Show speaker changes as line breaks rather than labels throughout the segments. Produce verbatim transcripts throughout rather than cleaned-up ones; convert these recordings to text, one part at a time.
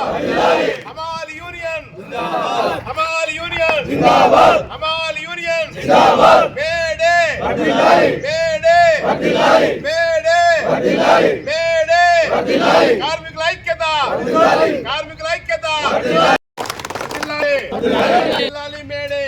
हमाल यूनियन हमाल यूनियन हमाल यूनियन मेडे मेडे मेडे मेडे కార్మికుల ఐక్యత కార్మికుల ఐక్యత జిల్లాలి మేడే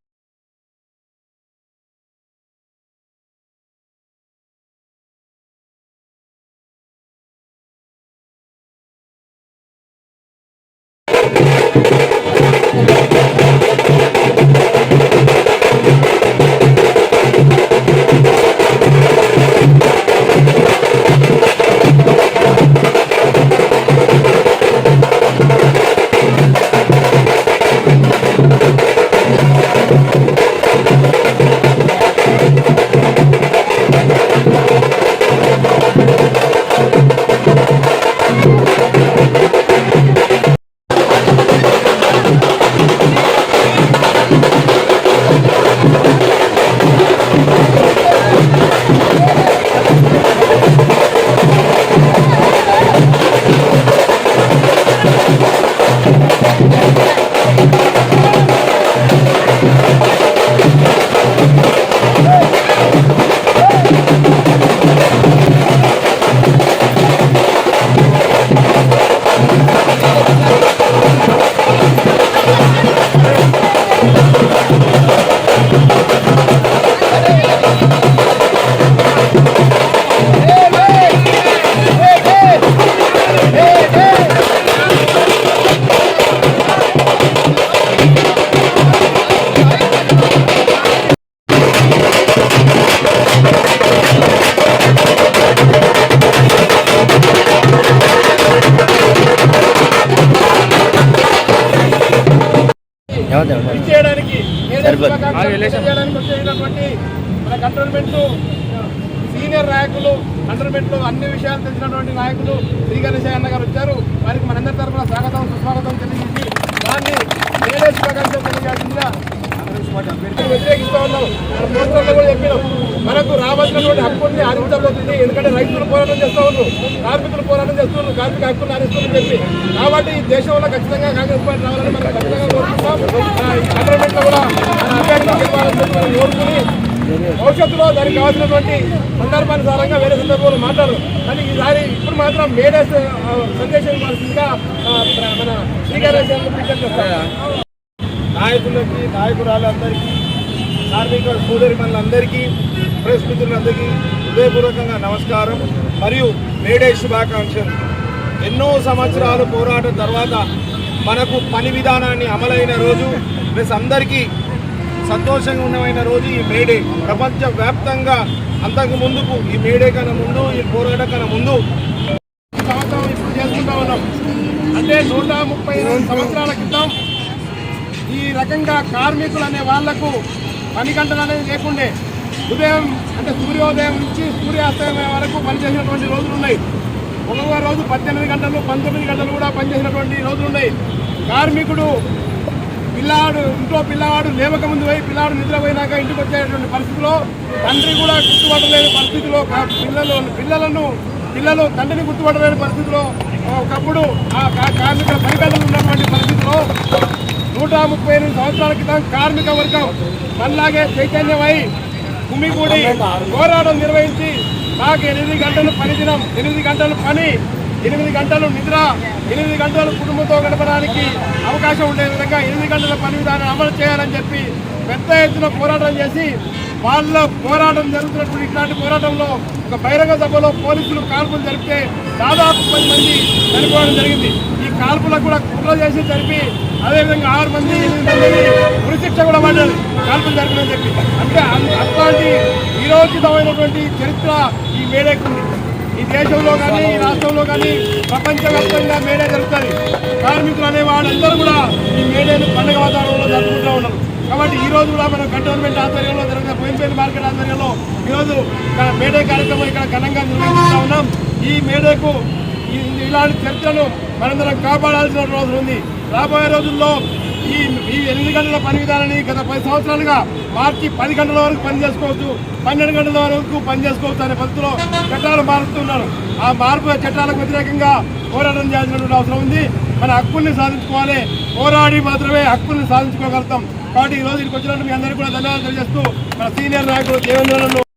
చేయడానికి వచ్చేటటువంటి మన కంటోన్మెంట్ సీనియర్ నాయకులు కంటోన్మెంట్ లో అన్ని విషయాలు తెలిసినటువంటి నాయకులు శ్రీ గణేశయ్య అన్న గారు వచ్చారు. వారికి మనందరి తరఫున స్వాగతం సుస్వాగతం తెలియజేసి దాన్ని నేనే శుభాకాంక్షలు తెలియజేసిందిగా వ్యతిరేకిస్తూ ఉన్నాం. మన పోస్టర్లో కూడా చెప్పినాం, మనకు రావాల్సినటువంటి హక్కుల్ని హరించబోతుంది. ఎందుకంటే రైతులు పోరాటం చేస్తూ ఉన్నారు, కార్మికులు పోరాటం చేస్తున్నారు, కార్మిక హక్కులు హరిస్తున్నారని చెప్పి. కాబట్టి ఈ దేశంలో ఖచ్చితంగా కాంగ్రెస్ పార్టీ రావాలని మనం ఖచ్చితంగా కోరుకుంటాం. గవర్నమెంట్ లో కూడా మన అభ్యర్థులు గెలవాలని చెప్పి మనం కోరుకుని భవిష్యత్తులో దానికి కావాల్సినటువంటి సందర్భానుసారంగా వేరే సందర్భంలో మాట్లాడరు. కానీ ఈసారి ఇప్పుడు మాత్రం మేడే సందేశం ఇవ్వాల్సిందిగా మన శ్రీకాళేశ్వరం విజ్ఞప్తి చేస్తారు. నాయకులకి నాయకురాలందరికీ కార్మిక సోదరిమణులందరికీ ప్రెస్ మిత్రులందరికీ హృదయపూర్వకంగా నమస్కారం మరియు మేడే శుభాకాంక్షలు. ఎన్నో సంవత్సరాలు పోరాటం తర్వాత మనకు పని విధానాన్ని అమలైన రోజు, ప్లస్ అందరికీ సంతోషంగా ఉన్నమైన రోజు ఈ మేడే. ప్రపంచవ్యాప్తంగా అంతకు ముందుకు ఈ మేడే కన్నా ముందు, ఈ పోరాటం కన్నా ముందు సంవత్సరం ఇప్పుడు చేసుకుంటా ఉన్నాం. అంటే నూట ముప్పై రెండు సంవత్సరాల క్రితం ఈ రకంగా కార్మికులు అనే వాళ్లకు పని గంటలు అనేది లేకుండే. ఉదయం అంటే సూర్యోదయం నుంచి సూర్యాస్తమయం వరకు పనిచేసినటువంటి రోజులు ఉన్నాయి. ఒక్కొక్క రోజు పద్దెనిమిది గంటలు పంతొమ్మిది గంటలు కూడా పనిచేసినటువంటి రోజులు ఉన్నాయి. కార్మికుడు పిల్లాడు ఇంట్లో పిల్లవాడు లేవక ముందు పోయి పిల్లాడు నిద్రపోయినాక ఇంటికి వచ్చేటువంటి పరిస్థితిలో తండ్రి కూడా గుర్తుపట్టలేని పరిస్థితిలో పిల్లలు పిల్లలను పిల్లలు తండ్రిని గుర్తుపట్టలేని పరిస్థితిలో ఒకప్పుడు ఆ కార్మికుల పని గంటలు ఉన్నటువంటి పరిస్థితిలో నూట ముప్పై ఎనిమిది సంవత్సరాల క్రితం కార్మిక వర్గం మనలాగే చైతన్యమై కుమ్మిగూడి పోరాటం నిర్వహించి మాకు ఎనిమిది గంటలు పని దినం, ఎనిమిది గంటలు పని, ఎనిమిది గంటలు నిద్ర, ఎనిమిది గంటలు కుటుంబంతో గడపడానికి అవకాశం ఉండే విధంగా ఎనిమిది గంటల పని విధానం అమలు చేయాలని చెప్పి పెద్ద ఎత్తున పోరాటం చేసి వాళ్ళ పోరాటం జరుగుతున్నటువంటి ఇట్లాంటి పోరాటంలో ఒక బహిరంగ సభలో పోలీసులు కాల్పులు జరిపితే దాదాపు పది మంది చనిపోవడం జరిగింది. ఈ కాల్పులకు కూడా కుట్ర చేసి జరిపి అదేవిధంగా ఆరు మంది ఎనిమిది మంది ఉరిశిక్ష కూడా పడ్డారు కాల్పులు జరిపిందని చెప్పి. అంటే అట్లాంటి వీరోచితమైనటువంటి చరిత్ర ఈ మేడేకు ఉంది. ఈ దేశంలో కానీ ఈ రాష్ట్రంలో కానీ ప్రపంచవ్యాప్తంగా మేడే జరుగుతుంది. కార్మికులు అనే వాళ్ళందరూ కూడా ఈ మేడేను పండుగ వాతావరణంలో జరుపుకుంటూ ఉన్నారు. కాబట్టి ఈ రోజు కూడా మనం కంటోన్మెంట్ ఆధ్వర్యంలో జరిగిన బోయినపల్లి మార్కెట్ ఆధ్వర్యంలో ఈరోజు మేడే కార్యక్రమం ఇక్కడ ఘనంగా నిర్వహిస్తూ ఉన్నాం. ఈ మేడేకు ఇలాంటి చర్చలను మనందరం కాపాడాల్సిన రోజు ఉంది. రాబోయే రోజుల్లో ఈ ఈ ఎనిమిది గంటల పని విధానాన్ని గత పది సంవత్సరాలుగా మార్చి పది గంటల వరకు పని చేసుకోవచ్చు, పన్నెండు గంటల వరకు పని చేసుకోవచ్చు అనే పద్ధతిలో చట్టాలు మారుస్తున్నారు. ఆ మార్పు చట్టాలకు వ్యతిరేకంగా పోరాటం చేయాల్సినటువంటి అవసరం ఉంది. మన హక్కుల్ని సాధించుకోవాలి, పోరాడి మాత్రమే హక్కుల్ని సాధించుకోగలుగుతాం. కాబట్టి ఈ రోజు ఇక్కడికి వచ్చినట్టు మీ అందరికీ కూడా ధన్యవాదాలు తెలియజేస్తూ మన సీనియర్ నాయకులు దేవేంద్రను